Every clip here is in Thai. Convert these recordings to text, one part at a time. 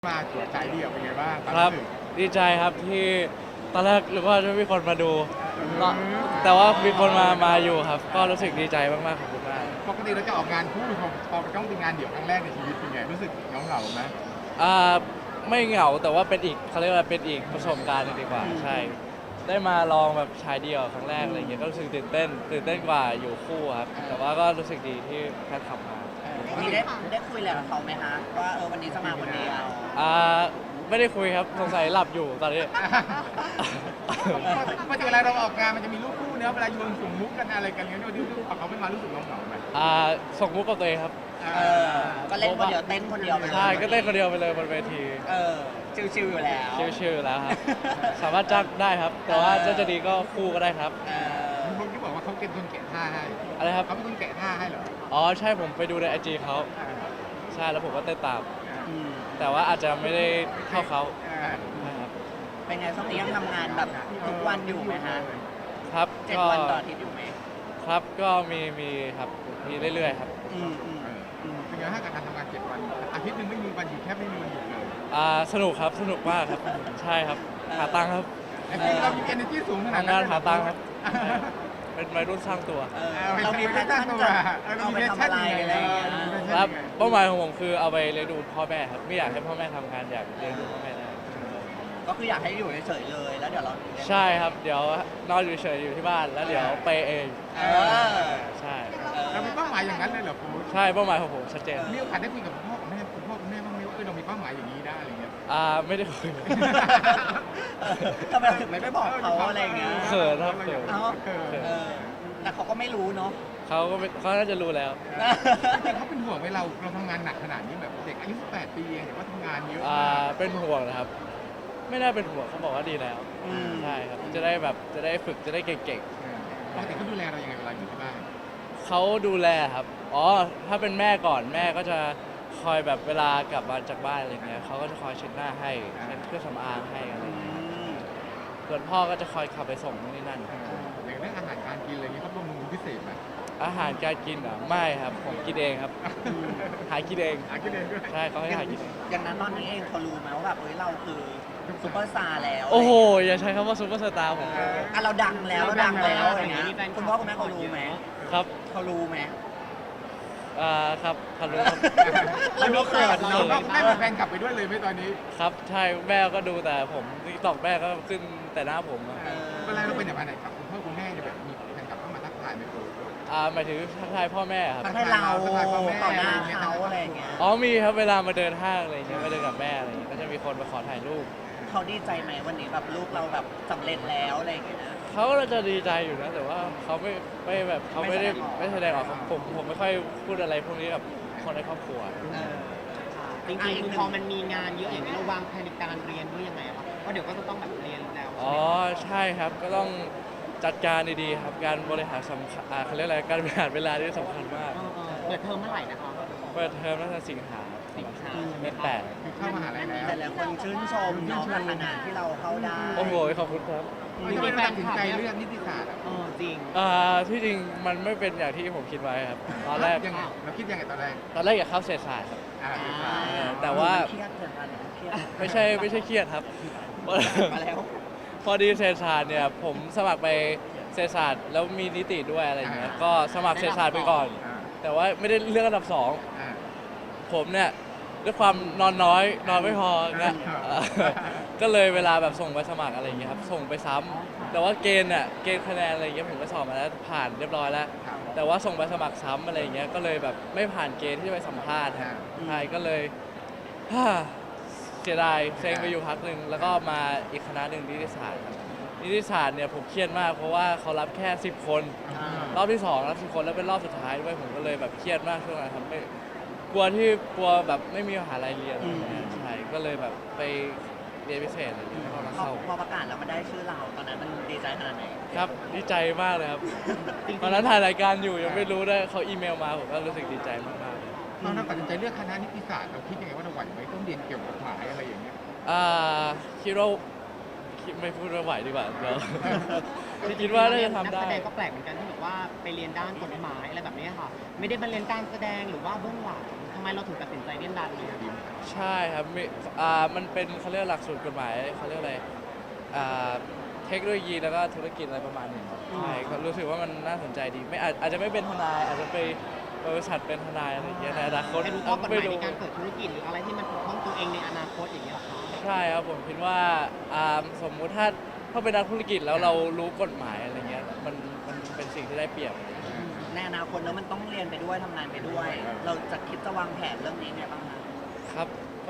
มาตรวจสายเดี่ยวเป็นไงบ้างครับดีใจครับที่ตอนแรกหรือว่าจะไม่มีคนมาดูแต่ว่ามีคนมาอยู่ครับ ก็รู้สึกดีใจมากๆขอบคุณมากปกติเราจะออกงานคู่พอต้องเป็นงานเดี่ยวครั้งแรกในชีวิตเป็นไงรู้สึกเหงาไหมอ่าไม่เหงาแต่ว่าเป็นอีกเขาเรียกว่าเป็นอีกประสบการณ์หนึ่งดีกว่าใช่ได้มาลองแบบชายเดี่ยวครั้งแรกอะไรเงี้ยก็รู้สึกตื่นเต้นกว่าอยู่คู่ครับแต่ว่าก็รู้สึกดีที่แพทย์ขับมามีได้คุยอะไรกับเขาไหมคะว่าวันนี้จะมาคนเดียวไม่ได้คุยครับสงสัยหลับอยู่ตอนนี้ปกติเวลาเราออกงานมันจะมีรูปคู่เนื้อเวลาโยนส่งมุกกันอะไรกันเงี้ยที่เขาไม่มารู้สึกเหงาไหมส่งมุกกับตัวเองครับก็เล่นคนเดียวเต้นคนเดียวไปเลยใช่ก็เต้นคนเดียวไปเลยบนเวทีชิวๆอยู่แล้วชิวๆแล้วครับสามารถจ้างได้ครับ แต่ว่าจะดีก็คู่ก็ได้ครับมีคนที่บอกว่าเขาเป็นคนแกะท่าให้อะไรครับเขาเป็นคนแกะท่าให้เหรออ๋อใช่ผมไปดูในIGเขาใช่แล้วผมก็เต้นตามแต่ว่าอาจจะไม่ได้เท่าเขาครับเป็นไงช่วงนี้ยังทำงานแบบทุกวันอยู่ไหมฮะครับ 7 วันต่ออาทิตย์อยู่ไหมครับก็มีครับมีเรื่อยๆครับเป็นไงถ้าการทำงาน7 วันอาทิตย์นึงไม่มีวันหยุดแทบไม่มีวันหยุดเลยสนุกครับสนุกมากครับใช่ครับหาตังค์ครับเรามี energy สูงขนาดนั้นงานหาตังค์ครับเป็นวัยรุ่นสร้างตัวเรามีแพชชั่นจะเอาไปทำอะไรอะไรอย่างเงี้ยครับเป้าหมายของผมคือเอาไปเลี้ยงดูพ่อแม่ครับไม่อยากให้พ่อแม่ทำงานอยากเลี้ยงดูพ่อแม่ได้ก็คืออยากให้อยู่เฉยๆเลยแล้วเดี๋ยวเราใช่ครับเดี๋ยวนอนอยู่เฉยอยู่ที่บ้านแล้วเดี๋ยวไปเองใช่เรามีเป้าหมายอย่างนั้นเลยเหรอคุณใช่เป้าหมายของผมชัดเจนมีโอกาสได้คุยกับพ่อกับแม่คุณพ่อคุณแม่บ้างไหมว่าเรามีเป้าหมายอย่างนี้ได้อะไรเงี้ยไม่ได้คุยทำไมถึงไม่บอกเขาอะไรเงี้ยเขินครับเขินแต่เขาก็ไม่รู้เนาะเขาน่าจะรู้แล้วแต่เขาเป็นห่วงไหมเราทำงานหนักขนาดนี้แบบเด็กอายุ18 ปีเองแต่ว่าทำงานเยอะเป็นห่วงนะครับไม่น่าเป็นห่วงเขาบอกว่าดีแล้วใช่ครับจะได้ฝึกจะได้เก่งๆปกติเขาดูแลเรายังไงเวลาอยู่ที่บ้านเขาดูแลครับถ้าเป็นแม่ก่อนแม่ก็จะคอยแบบเวลากลับมาจากบ้านอะไรเงี้ยเขาก็จะคอยเช็ดหน้าให้เช็ดเครื่องสำอางให้อะไรเงี้ยส่วนพ่อก็จะคอยขับไปส่งนี่นั่นอย่างเรื่องอาหารการกินอะไรเงี้ยเขาบำรุงพิเศษไหมอาหารการกินไม่ครับผมกินเองครับหากินเองด้วยใช่เขาให้หากินเองอย่างนั้นตอนนี้เองเขารู้ไหมว่าแบบเราคือซุปเปอร์สตาร์แล้วโอ้โหอย่าใช้คำว่าซุปเปอร์สตาร์ผมเราดังแล้วอย่างเงี้ยคุณพ่อคุณแม่เขารู้ไหมครับเขารู้ไหมครับเขารู้เรารู้เกิดเราแม่เป็นแฟนกลับไปด้วยเลยไหมตอนนี้ครับใช่แม่ก็ดูแต่ผมติ๊กต็อกแม่ก็ขึ้นแต่หน้าผมเวลาเราไปไหนครับคุณพ่อคุณแม่จะแบบมีแฟนกลับเข้ามาทักทายไหมครูหมายถึงทักทายพ่อแม่ครับทักทายเราต่อหน้าเขาอะไรอย่างเงี้ยมีครับเวลามาเดินห้างอะไรอย่างเงี้ยมาเดินกับแม่อะไรอย่างเงี้ยก็จะมีคนมาขอถ่ายรูปเขาดีใจไหมวันนี้แบบลูกเราแบบสำเร็จแล้วอะไรอย่างเงี้ยเขาก็จะดีใจอยู่นะแต่ว่าเขาไม่แบบเขาไม่แสดงออกผมไม่ค่อยพูดอะไรพวกนี้กับคนในครอบครัวจริงๆพอมันมีงานเยอะอย่างนี้เราวางแผนในการเรียนด้วยยังไงครับเพราะเดี๋ยวก็จะต้องแบบเรียนแล้วใช่ครับก็ต้องจัดการดีๆครับการบริหารสำคัญเขาเรียกอะไรการบริหารเวลาที่สำคัญมากเปิดเทอมเมื่อไหร่นะครับเปิดเทอมน่าจะสิงหาเดือน8 เข้ามหาลัยแล้วแต่ละคนชื่นชมน้องขนาดที่เราเข้าได้โอ้โหขอบคุณครับไม่ได้ตัดสินใจเลือกนิติศาสตร์จริงที่จริงมันไม่เป็นอย่างที่ผมคิดไว้ครับตอนแรกเราคิดยังไงตอนแรกอยากเข้าเศรษฐศาสตร์ครับแต่ว่าไม่ใช่เครียดครับพอดีเศรษฐศาสตร์เนี่ยผมสมัครไปเศรษฐศาสตร์แล้วมีนิติด้วยอะไรเงี้ยก็สมัครเศรษฐศาสตร์ไปก่อนแต่ว่าไม่ได้เลือกอันดับ2ผมเนี่ยด้วยความนอนน้อยนอนไม่พอเนี่ยก็เลยเวลาแบบส่งไปสมัครอะไรอย่างเงี้ยครับส่งไปซ้ำแต่ว่าเกณฑ์คะแนนอะไรเงี้ยผมก็สอบมาแล้วผ่านเรียบร้อยแล้วแต่ว่าส่งไปสมัครซ้ำอะไรเงี้ยก็เลยแบบไม่ผ่านเกณฑ์ที่จะไปสัมภาษณ์ใช่ก็เลยเสียดายเซ็งไปอยู่พักหนึ่งแล้วก็มาอีกคณะหนึ่งนิติศาสตร์ครับนิติศาสตร์เนี่ยผมเครียดมากเพราะว่าเขารับแค่10 คนรอบที่2รับ10 คนแล้วเป็นรอบสุดท้ายด้วยผมก็เลยแบบเครียดมากช่วงนั้นครับไม่กลัวแบบไม่มีมหาลัยเรียนใช่ก็เลยแบบไปเรียนพิเศษอะไรอย่างเงี้ยพอประกาศแล้วมันได้ชื่อเราตอนนั้นมันดีใจขนาดไหนครับดีใจมากเลยครับตอนนั้นถ่ายรายการอยู่ยังไม่รู้ได้เขาอีเมลมาผมก็รู้สึกดีใจมากๆเราตัดสินใจเลือกคณะนิติศาสตร์เราคิดยังไงว่าเราไหวไหมต้องเรียนเกี่ยวกับกฎหมายอะไรอย่างเงี้ยคิดว่าไม่พูดว่าไหวดีกว่าเดี๋ยวที่คิดว่าน่าจะทำได้นักแสดงก็แปลกเหมือนกันที่บอกว่าไปเรียนด้านกฎหมายอะไรแบบนี้ค่ะไม่ได้มาเรียนการแสดงหรือว่าเบื้องหลังทำไมเราถึงตัดสินใจเล่นด้านนี้อะใช่ครับมีมันเป็นเขาเรียกหลักสูตรกฎหมายเขาเรียกอะไรอ่าเทคโนโลยีแล้วก็ธุรกิจอะไรประมาณนี้ครับใช่ก็รู้สึกว่ามันน่าสนใจดีไม่อาจจะไม่เป็นทนายอาจจะไปบริษัทเป็นทนายอะไรอย่างเงี้ยในอนาคตให้รู้ข้อกฎหไม่มายรู้ในการเปิดธุรกิจหรืออะไรที่มันปกป้องตัวเองในอนาคตอย่างเงี้ยเหรอคะใช่ครับผมคิดว่าสมมุติถ้าเป็นนักธุรกิจแล้วเรารู้กฎหมายอะไรเงี้ยมันเป็นสิ่งที่ได้เปรียบในอนาคตแล้วมันต้องเรียนไปด้วยทำงานไปด้วย เราจะคิดจะวางแผนเรื่องนี้ไงบ้างคะครับ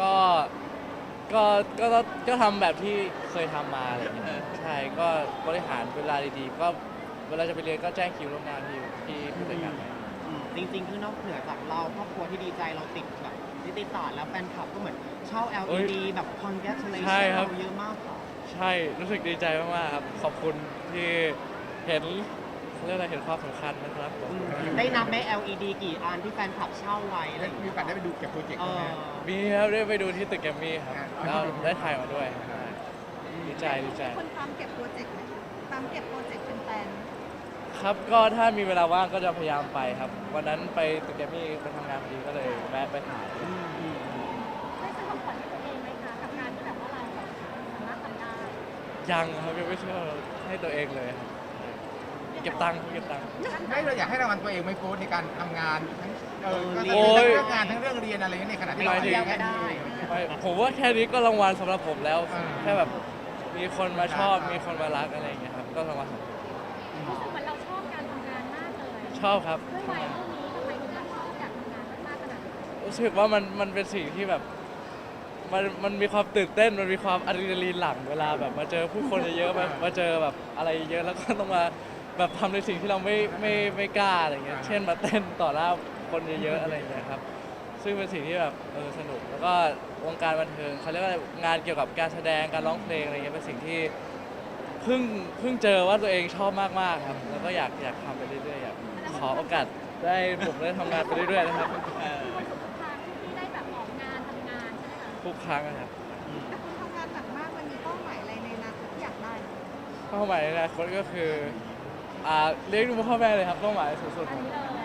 ก็ทำแบบที่เคยทำมาอะไรเงี้ยใช่ก็บริหารเวลาดีๆก็เวลาจะไปเรียนก็แจ้งคิวล่วงหน้าที่ผู้จัดการไว้จริงๆ คือนอกเหนือจากเราครอบครัวที่ดีใจเราติดแบบนิติศาสตร์แล้วแฟนคลับก็เหมือนเช่า LED แบบ congratulation ใช่ครับเราเยอะมากค่ะใช่รู้สึกดีใจมากๆครับขอบคุณที่เห็นเขาเรียกอะไรเห็นความสำคัญนะครับผมได้นับไหม LED กี่อันที่แฟนคลับเช่าไว้อะไรได้อย่างมีเงี้โอย กาสได้ไปดูเก็บโปรเจกต์เอไหมอมีครับได้ไปดูที่ตึกแกรมมี่ครับอ่าแล้วได้ถ่ายมาด้วยใช่ดีใจคนตามเก็บโปรเจกต์ไหมตามเก็บโปรเจกต์เป็นแฟนครับก็ถ้ามีเวลาว่างก็จะพยายามไปครับ วันนั้นไปตึกแกรมมี่ไปทำงานพอดีก็เลยแวะไปถ่ายได้ซื้อของขวัญให้ตัวเองไหมคะกับการที่แบบว่าเราแบบสามารถทำได้ยังครับยังไม่เชื่อให้ตัวเองเลยครับเก็บตังค์ไม่เราอยากให้รางวัลตัวเองไหม่โค้ชในการทำงานทั้งก็โอ้ทั้งยเรื่องงานทั้งเรื่องเรียนอะไรในขณะที่เราหมายถึงเรียนแค่นี้ไม่ผมว่าแค่นี้ก็รางวัลสำหรับผมแล้วอ่าแค่แบบมีคนมาชอบมีคนมารักอะไรอย่างเงี้ยครับก็รางวัลของผมรู้สึกเหมือนเราชอบการทำงานมากเลยชอบครับด้วยวัยเท่านี้ทำไมถึงชอบอยากทำงานมากขนาดนี้รู้สึกว่ามันเป็นสิ่งที่แบบมันมีความตื่นเต้นมันมีความอะดรีนาลีนหลั่งเวลาแบบมาเจอผู้คนเยอะๆมาเจอแบบอะไรเยอะแล้วก็ต้องมาแบบทำในสิ่งที่เราไม่กล้าอะไรเงี้ยเช่นมาเต้นต่อหน้าคนเยอะๆอะไรเงี้ยครับซึ่งเป็นสิ่งที่แบบสนุกแล้วก็วงการบันเทิงเขาเรียกว่างานเกี่ยวกับการแสดงการร้องเพลงอะไรเงี้ยเป็นสิ่งที่เพิ่งเจอว่าตัวเองชอบมากๆครับแล้วก็อยากทำไปเรื่อยๆอยากขอโอกาสได้ผมได้ทำงานไปเรื่อยๆนะครับมีความสุขทุกครั้งที่ได้แบบออกงานทำงานใช่ไหมคะทุกครั้งนะครับแต่คุณทำงานหนักมากมันมีเป้าหมายอะไรในอนาคตที่อยากได้ไหมเป้าหมายในอนาคตก็คือเลี้ยงดูพ่อแม่เลยครับเป้าหมายสูงสุดอันนี้เลย